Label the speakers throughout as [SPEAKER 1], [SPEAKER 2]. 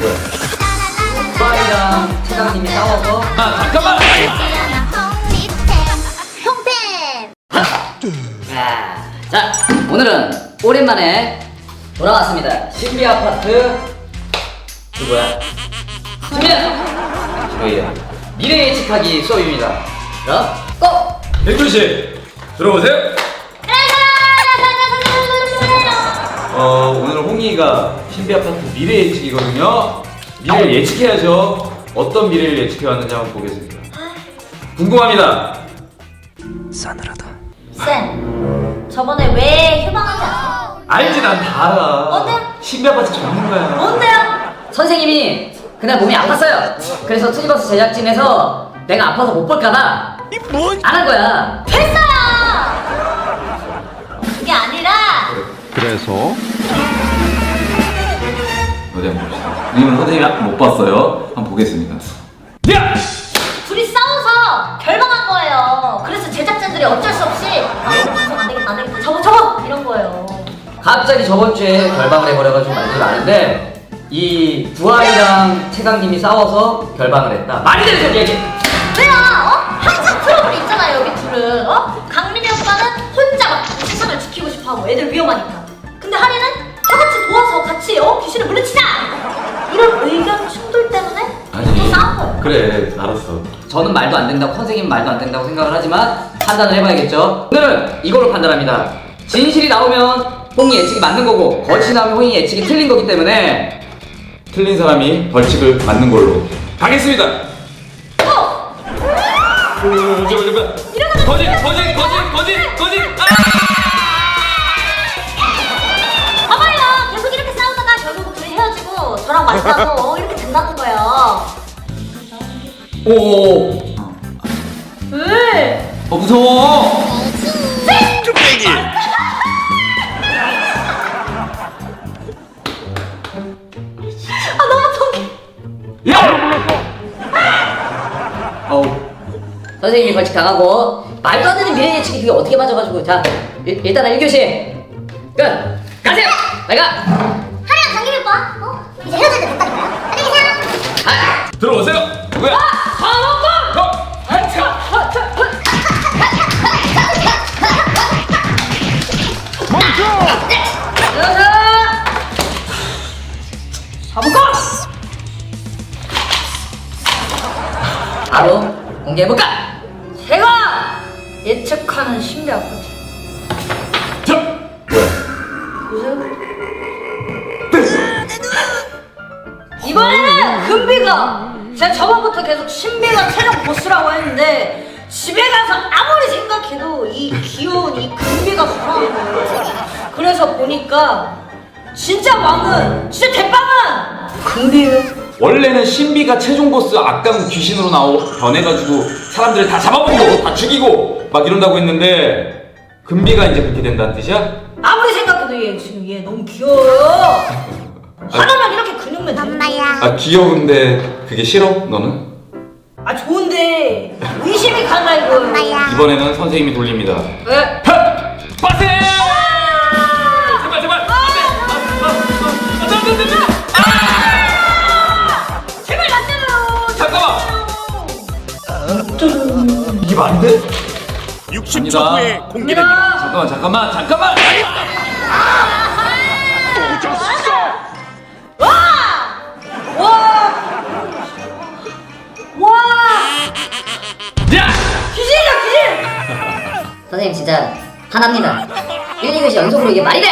[SPEAKER 1] 오빠이랑 차장님이 싸워서
[SPEAKER 2] 잠깐만!
[SPEAKER 1] 자, 오늘은 오랜만에 돌아왔습니다. 신비 아파트 누구야? 준비야! 저희의 미래 예측하기 수업입니다. 자, 고!
[SPEAKER 2] 백두씨 들어오세요. 오늘 홍이가 신비 아파트 미래 예측이거든요. 미래를 예측해야죠. 어떤 미래를 예측해 왔는지 한번 보겠습니다. 궁금합니다.
[SPEAKER 3] 싸늘하다.
[SPEAKER 4] 쌤, 저번에 왜 휴방한지 아세요?
[SPEAKER 2] 알지, 난 다 알아.
[SPEAKER 4] 뭔데요?
[SPEAKER 2] 신비 아파트 전문가야.
[SPEAKER 4] 뭔데요?
[SPEAKER 1] 선생님이 그날 몸이 아팠어요. 그래서 투니버스 제작진에서 내가 아파서 못 볼까봐 안 한 거야.
[SPEAKER 4] 됐어요! 그게 아니라
[SPEAKER 3] 그래서
[SPEAKER 2] 어디 한번 봅시다. 이건 선생님이 못 봤어요. 한번 보겠습니다. 야!
[SPEAKER 4] 둘이 싸워서 결방한 거예요. 그래서 제작진들이 어쩔 수 없이 안 되겠다, 안 되겠다, 접어! 이런 거예요.
[SPEAKER 1] 갑자기 저번 주에 결방을 해버려가지고 말들 아는데 이 부활이랑 최강님이 싸워서 결방을 했다. 말이 되는 소리 얘기.
[SPEAKER 4] 왜요? 항상 트러블이 있잖아요, 여기 둘은. 강민이 오빠는 혼자 막 세상을 지키고 싶어하고 애들 위험하니까. 근데 하리는 다 같이 도와서 같이 귀신을 물리치자! 이런 의견 충돌 때문에 또 싸운 거예요.
[SPEAKER 2] 그래, 알았어.
[SPEAKER 1] 저는 말도 안 된다고, 선생님은 말도 안 된다고 생각을 하지만 판단을 해봐야겠죠. 오늘은 이걸로 판단합니다. 진실이 나오면 홍이 예측이 맞는 거고 거짓이 나오면 홍이 예측이 틀린 거기 때문에
[SPEAKER 2] 틀린 사람이 벌칙을 받는 걸로 가겠습니다. 거짓!
[SPEAKER 4] 봐봐요, 계속 이렇게 싸우다가 결국 둘이 헤어지고 저랑 만나고 이렇게 된다는 거예요.
[SPEAKER 2] 오.
[SPEAKER 4] 왜?
[SPEAKER 2] 무서워.
[SPEAKER 3] 뚝배기.
[SPEAKER 4] 너무 통해.
[SPEAKER 2] 야!
[SPEAKER 1] 선생님이 벌칙 당하고 말도 안 되는 미래 예측이 그게 어떻게 맞아가지고 자 일단은 1교시 끝! 가세요! 내가
[SPEAKER 4] 하리랑 강민이 오빠, 이제 헤어질 때 됐다니까요. 안녕히 계세요.
[SPEAKER 2] 들어오세요. 누구야?
[SPEAKER 1] 사부권! 바로 공개해볼까?
[SPEAKER 4] 제가 예측하는 신비 아파트. 이번에는 금비가 제가 저번부터 계속 신비가 최종 보스라고 했는데 집에 가서 아무리 생각해도 이 귀여운 이 금비가 불안한 거예요. 그래서 보니까 진짜 왕은 진짜 대빵은 금비예요.
[SPEAKER 2] 원래는 신비가 최종 보스 악당 귀신으로 변해가지고 사람들을 다 잡아먹고 다 죽이고 막 이런다고 했는데 금비가 이제 그렇게 된다는 뜻이야?
[SPEAKER 4] 아무리 생각해도 얘 지금 얘 너무 귀여워요. 하나만 이렇게 근육맨 되는 거야.
[SPEAKER 2] 귀여운데 그게 싫어? 너는?
[SPEAKER 4] 좋은데 의심이 간다 이거예요.
[SPEAKER 2] 이번에는 선생님이 돌립니다.
[SPEAKER 4] 왜?
[SPEAKER 2] 빠세!
[SPEAKER 4] 제발 나 때려요.
[SPEAKER 2] 잠깐만! 이게 말이 돼?
[SPEAKER 3] 60초
[SPEAKER 2] 아니다.
[SPEAKER 3] 후에 공개됩니다.
[SPEAKER 2] 잠깐만!
[SPEAKER 4] 와!
[SPEAKER 2] 야!
[SPEAKER 4] 귀신이야 귀신!
[SPEAKER 1] 선생님 진짜 화납니다. 1, 2교시 연속으로 이게 말이 돼!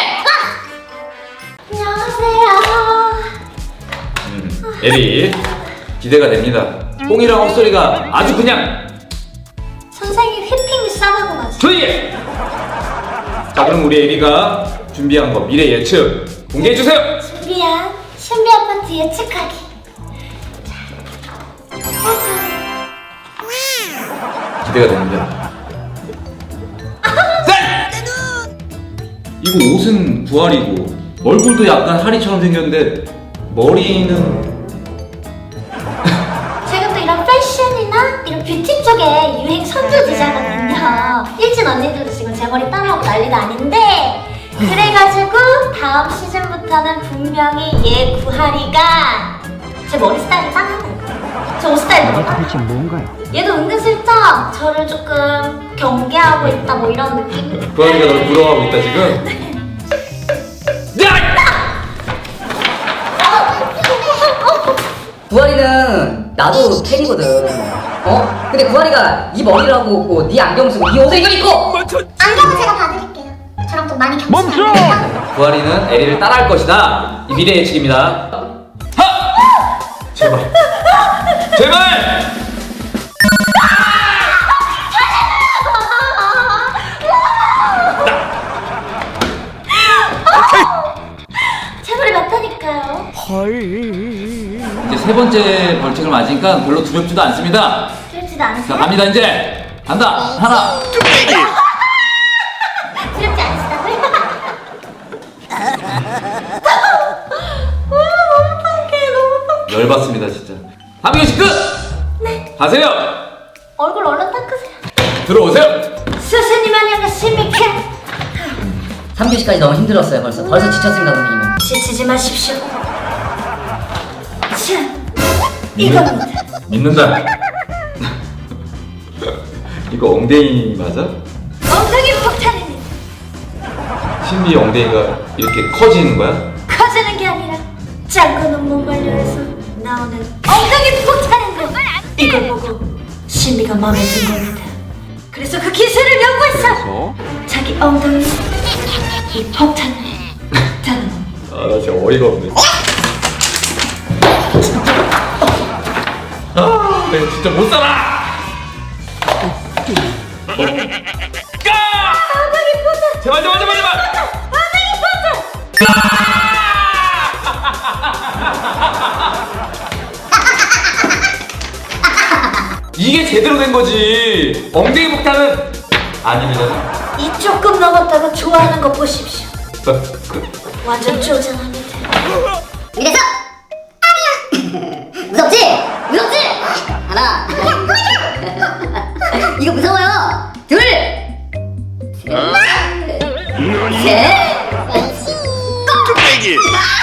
[SPEAKER 4] 안녕하세요.
[SPEAKER 2] 에리 기대가 됩니다. 홍이랑 헛소리가 아주 그냥
[SPEAKER 4] 선생님 휘핑이 싸가고 가지.
[SPEAKER 2] 조용히 해! 자, 그럼 우리 에리가 준비한 거 미래 예측 공개해주세요!
[SPEAKER 4] 준비한 신비 아파트 예측하기. 짜잔.
[SPEAKER 2] 기대가 됩니다. 짠! 이거 옷은 부활이고 얼굴도 약간 하리처럼 생겼는데 머리는
[SPEAKER 4] 제가 또 이런 패션이나 이런 뷰티 쪽에 유행 선두주자거든요. 일진 언니들도 지금 제 머리 따라하고 난리도 아닌데 그래가지고 다음 시즌부터는 분명히 얘 구하리가
[SPEAKER 5] 제 머리 스타일이 짱하네. 저 옷 스타일도 몰라?
[SPEAKER 3] 대체 뭔가요?
[SPEAKER 5] 얘도 은근슬쩍 저를 조금 경계하고 있다 뭐 이런 느낌?
[SPEAKER 2] 구하리가 널 부러워하고 있다 지금? 야!
[SPEAKER 1] 구하리는 나도 팬이거든. 어? 근데 구하리가 이 머리를 하고 있고 네 안경 쓰고 이 옷을 이걸 입고
[SPEAKER 5] 안경은 제가 봐드릴게요. 저랑 좀 많이 겹치지 않나요?
[SPEAKER 1] 구하리는 에리를 따라할 것이다. 이 미래 예측입니다.
[SPEAKER 2] 제발 제발!
[SPEAKER 5] 제 머리 맞다니까요.
[SPEAKER 2] 이제 세 번째 벌칙을 맞으니까 별로 두렵지도 않습니다.
[SPEAKER 5] 두렵지도
[SPEAKER 2] 자
[SPEAKER 5] 않으세요?
[SPEAKER 2] 갑니다 이제 간다 하나
[SPEAKER 3] 뚝배기.
[SPEAKER 5] 두렵지 않으시다고요?
[SPEAKER 2] 열받습니다 진짜. 함경씨 끝! 네 가세요!
[SPEAKER 5] 얼굴 얼른 닦으세요.
[SPEAKER 2] 들어오세요!
[SPEAKER 5] 스승님 안녕하십니까?
[SPEAKER 1] 3교시까지 너무 힘들었어요. 벌써 지쳤습니다, 선생님은.
[SPEAKER 5] 지치지 마십시오. 자, 이겁니다.
[SPEAKER 2] 믿는다. 이거 엉덩이 맞아?
[SPEAKER 5] 엉덩이 폭탄입니다.
[SPEAKER 2] 신비 엉덩이가 이렇게 커지는 거야?
[SPEAKER 5] 커지는 게 아니라 짱구는 몸발려에서 나오는 엉덩이 폭탄인데 이걸 보고 신비가 마음에 든 겁니다. 그래서 그 기술을 연구해서 자기 엉덩이 이 폭탄을 다는 겁니다.
[SPEAKER 2] 아 나 진짜 어이가 없네. 아 내가 진짜 못 살아! 제발 제발 제발 제발! 이게 제대로 된 거지. 엉덩이 폭탄은 아닙니다.
[SPEAKER 5] 이 조금 넘었다가 좋아하는 거 보십시오. 완전 쪼잔합니다.
[SPEAKER 6] 이래서 아니야. 무섭지? 무섭지? 하나. 이거 무서워요. 둘. 셋.
[SPEAKER 3] 뚝배기.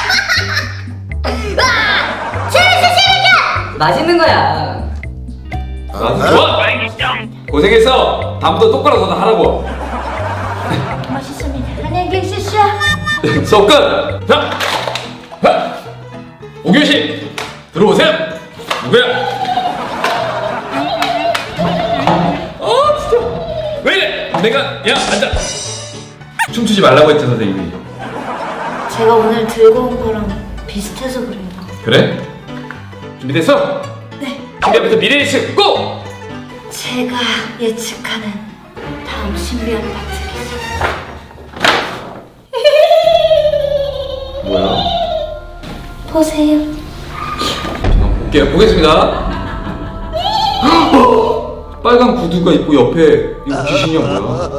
[SPEAKER 1] 맛있는 거야.
[SPEAKER 2] 나도 좋아. 고생했어. 다음부터 똑바로 너도 하라고.
[SPEAKER 5] 맛있습니다. 안녕히 계십시오.
[SPEAKER 2] 수업 끝. 자, 하. 5교시 들어오세요. 누구야? 진짜. 왜 이래? 내가 야 앉아. 춤추지 말라고 했지 선생님이.
[SPEAKER 5] 제가 오늘 들고 온 거랑 비슷해서 그래요.
[SPEAKER 2] 그래? 준비됐어?
[SPEAKER 5] 네.
[SPEAKER 2] 준비부터 미래 예측 고!
[SPEAKER 5] 제가 예측하는 다음 신비한 파트가
[SPEAKER 2] 뭐야?
[SPEAKER 5] 보세요.
[SPEAKER 2] 잠깐 볼게요. 보겠습니다. 빨간 구두가 있고 옆에 이거 귀신이야 뭐야?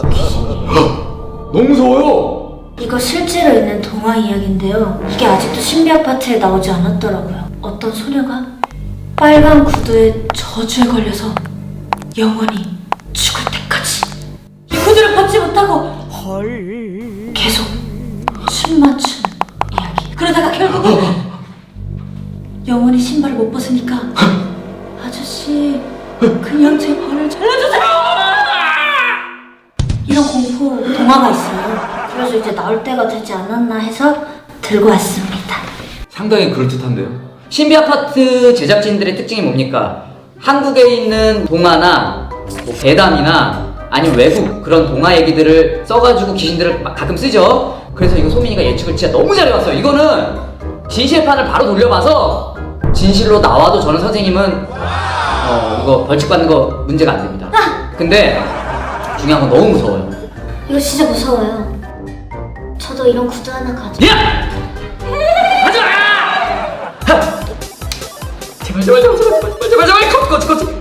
[SPEAKER 2] 너무 무서워요.
[SPEAKER 5] 이거 실제로 있는 동화 이야기인데요. 이게 아직도 신비 아파트에 나오지 않았더라고요. 어떤 소녀가 빨간 구두에 저주에 걸려서 영원히 죽을 때까지 이 구두를 벗지 못하고 계속 춤만 추는 이야기. 그러다가 결국은 영원히 신발을 못 벗으니까 아저씨 그냥 제 발을 잘라주세요. 이런 공포 동화가 있어요. 그래서 이제 나올 때가 되지 않았나 해서 들고 왔습니다.
[SPEAKER 2] 상당히 그럴듯한데요.
[SPEAKER 1] 신비 아파트 제작진들의 특징이 뭡니까? 한국에 있는 동화나 뭐 배담이나 아니면 외국 그런 동화 얘기들을 써가지고 귀신들을 가끔 쓰죠. 그래서 이거 소민이가 예측을 진짜 너무 잘해왔어요. 이거는 진실판을 바로 돌려봐서 진실로 나와도 저는 선생님은 이거 벌칙 받는 거 문제가 안 됩니다. 근데 중요한 건 너무 무서워요.
[SPEAKER 5] 이거 진짜 무서워요. 저도 이런 구두 하나 가져.
[SPEAKER 1] 야! 하지 마! 하! 제발 제발 제발 제발 제발 제발 컷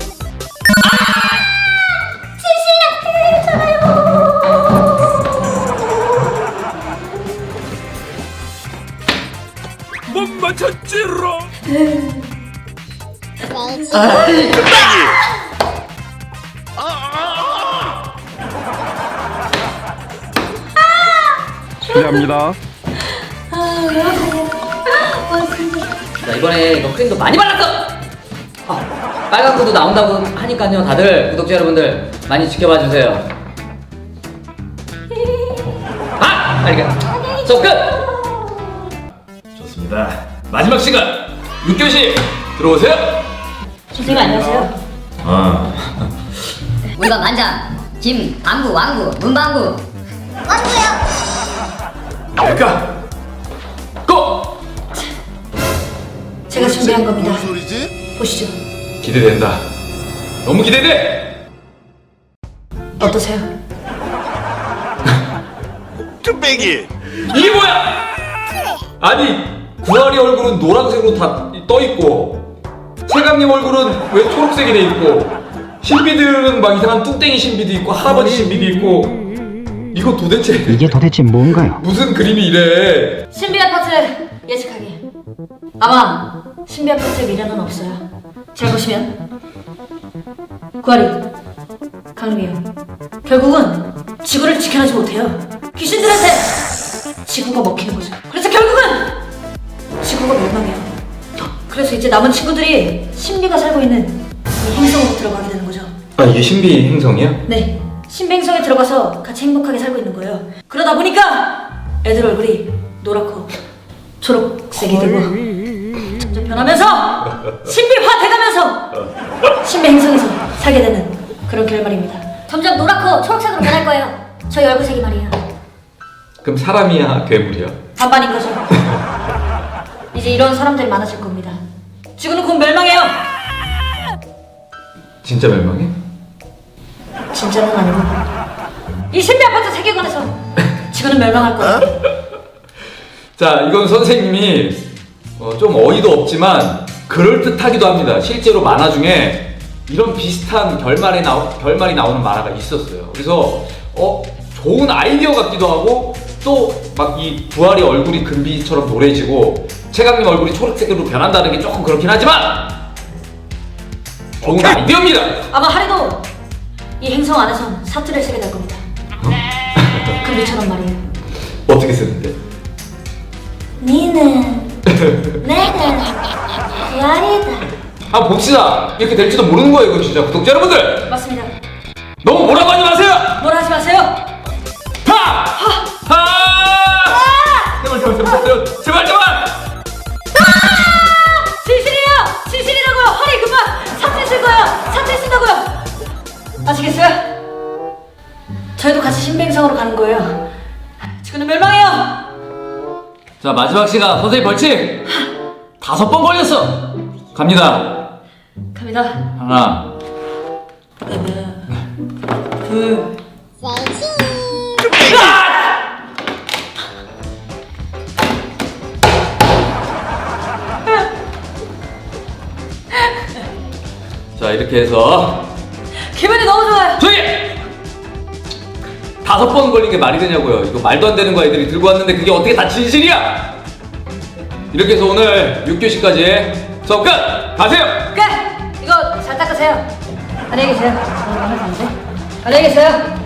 [SPEAKER 3] 못 맞췄지롱.
[SPEAKER 1] 아이,
[SPEAKER 3] 실례합니다.
[SPEAKER 5] 와 진짜.
[SPEAKER 1] 자, 이번에 이거 크림도 많이 발랐어! 빨간 구두 나온다고 하니까요, 다들 구독자 여러분들 많이 지켜봐 주세요. 알겠습니다. 수업 끝!
[SPEAKER 2] 좋습니다. 마지막 시간 6교시 들어오세요.
[SPEAKER 4] 선생님 안녕하세요.
[SPEAKER 6] 우리 반 반장 김 방구 왕구 문방구
[SPEAKER 2] 될까? 고!
[SPEAKER 5] 제가 준비한 겁니다.
[SPEAKER 3] 무슨 소리지?
[SPEAKER 5] 보시죠.
[SPEAKER 2] 기대된다. 너무 기대돼.
[SPEAKER 5] 어떠세요?
[SPEAKER 3] 뚝배기.
[SPEAKER 2] 이게 뭐야? 아니 구하리 얼굴은 노란색으로 다 떠 있고 최강님 얼굴은 왜 초록색이 돼 있고 신비들은 막 이상한 뚱땡이 신비도 있고 할아버지 신비도 있고 이거 도대체
[SPEAKER 7] 이게 도대체 뭔가요?
[SPEAKER 2] 무슨 그림이 이래?
[SPEAKER 5] 신비 아파트 예측하기. 아마 신비 아파트에 미래는 없어요. 잘 보시면 구하리, 강림이요. 결국은 지구를 지켜내지 못해요. 귀신들한테 지구가 먹히는 거죠. 그래서 결국은 지구가 멸망해요. 그래서 이제 남은 친구들이 신비가 살고 있는 이 행성으로 들어가게 되는 거죠.
[SPEAKER 2] 아 이게 신비 행성이야?
[SPEAKER 5] 네, 신비 행성에 들어가서 같이 행복하게 살고 있는 거예요. 그러다 보니까 애들 얼굴이 노랗고 초록색이 되고 점점 변하면서 신비화 돼가면서 신비 행성에서 살게 되는 그런 결말입니다.
[SPEAKER 4] 점점 노랗고 초록색으로 변할 거예요. 저희 얼굴색이 말이에요.
[SPEAKER 2] 그럼 사람이야 괴물이야?
[SPEAKER 5] 반반인 거죠. 이제 이런 사람들이 많아질 겁니다. 지구는 곧 멸망해요.
[SPEAKER 2] 진짜 멸망해?
[SPEAKER 5] 진짜는 아니고 이 신비 아파트 세계관에서 지구는 멸망할 거예요.
[SPEAKER 2] 자 이건 선생님이 좀 어이도 없지만 그럴듯하기도 합니다. 실제로 만화 중에 이런 비슷한 결말이 나오는 만화가 있었어요. 그래서 좋은 아이디어 같기도 하고 또 막 이 부활이 얼굴이 금비처럼 노래지고 최강님 얼굴이 초록색으로 변한다는 게 조금 그렇긴 하지만 좋은 아이디어입니다.
[SPEAKER 5] 아마 하리도 이 행성 안에선 사투리를 쓰게 될 겁니다. 금비처럼 말이에요.
[SPEAKER 2] 어떻게 쓰는데?
[SPEAKER 5] 니는 내가 구하리다.
[SPEAKER 2] 한번 봅시다. 이렇게 될지도 모르는 거예요, 이거 진짜. 구독자 여러분들!
[SPEAKER 5] 맞습니다.
[SPEAKER 2] 너무 뭐라고 하지 마세요!
[SPEAKER 5] 뭐라 하지 마세요.
[SPEAKER 2] 하! 제발!
[SPEAKER 5] 진실이에요. 진실이라고요. 하리 그만 사투리 쓸 거예요. 사투리 쓴다고요. 아시겠어요? 저희도 같이 신비 행성으로 가는 거예요. 지구는 멸망해요.
[SPEAKER 1] 자, 마지막 시간 선생님 벌칙 5번 걸렸어.
[SPEAKER 2] 갑니다.
[SPEAKER 5] 갑니다.
[SPEAKER 2] 하나.
[SPEAKER 5] 둘.
[SPEAKER 2] 자, 이렇게 해서
[SPEAKER 5] 기분이 너무 좋아요.
[SPEAKER 2] 조용히! 5번 걸린 게 말이 되냐고요. 이거 말도 안 되는 거 애들이 들고 왔는데 그게 어떻게 다 진실이야? 이렇게 해서 오늘 6교시까지 수업 끝! 가세요!
[SPEAKER 5] 끝. 이거 잘 닦으세요. 안녕히 계세요. 안녕히 계세요.